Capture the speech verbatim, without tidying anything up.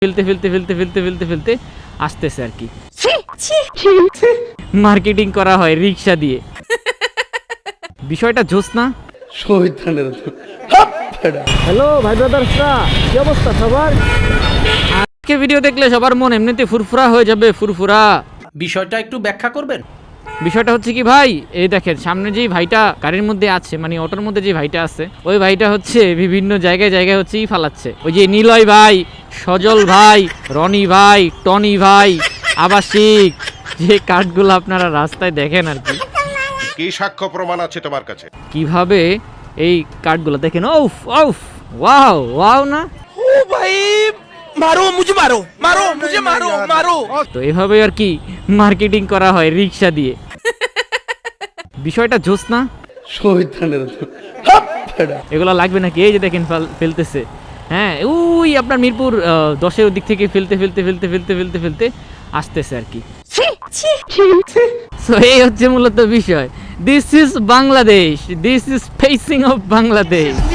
ফেলতে ফেলতে ফেলতে ফেলতে ফেলতে ফেলতে আসতেছে আর কি। মার্কেটিং করা হয় রিক্সা দিয়ে। বিষয়টা জোস না? হ্যালো ভাই ব্রাদার্সরা, কি অবস্থা সবার? আজকে ভিডিও দেখলে সবার মন এমনিতে ফুরফুরা হয়ে যাবে, ফুরফুরা। বিষয়টা একটু ব্যাখ্যা করবেন? বিষয়টা হচ্ছে কি ভাই, এই দেখেন সামনে যেই ভাইটা গাড়ির মধ্যে আছে, মানে অটোর মধ্যে যে ভাইটা আছে, ওই ভাইটা হচ্ছে বিভিন্ন জায়গায় জায়গায় হচ্ছে ই ফালাচ্ছে। ওই যে নিলয় ভাই, সজল ভাই, রনি ভাই, টনি ভাই, আবাসিক, যে কার্ডগুলো আপনারা রাস্তায় দেখেন আর কি। কি সাক্ষ্য প্রমাণ আছে তোমার কাছে? কিভাবে এই কার্ডগুলো দেখেন, ওফ ওফ, ওয়াও ওয়াও না? ও ভাই মারো মুঝে মারো মারো মুঝে মারো মারো। তো এভাবে আর কি মার্কেটিং করা হয় রিক্সা দিয়ে। বিষয়টা জোস না? এগুলো লাগবে নাকি? এই যে দেখেন ফেলতেছে, হ্যাঁ ওই আপনার মিরপুর দশের দিক থেকে ফেলতে ফেলতে ফেলতে ফেলতে ফেলতে ফেলতে আসতেছে আর কি। সো এই হচ্ছে মূলত বিষয়। This is Bangladesh, this is facing of Bangladesh.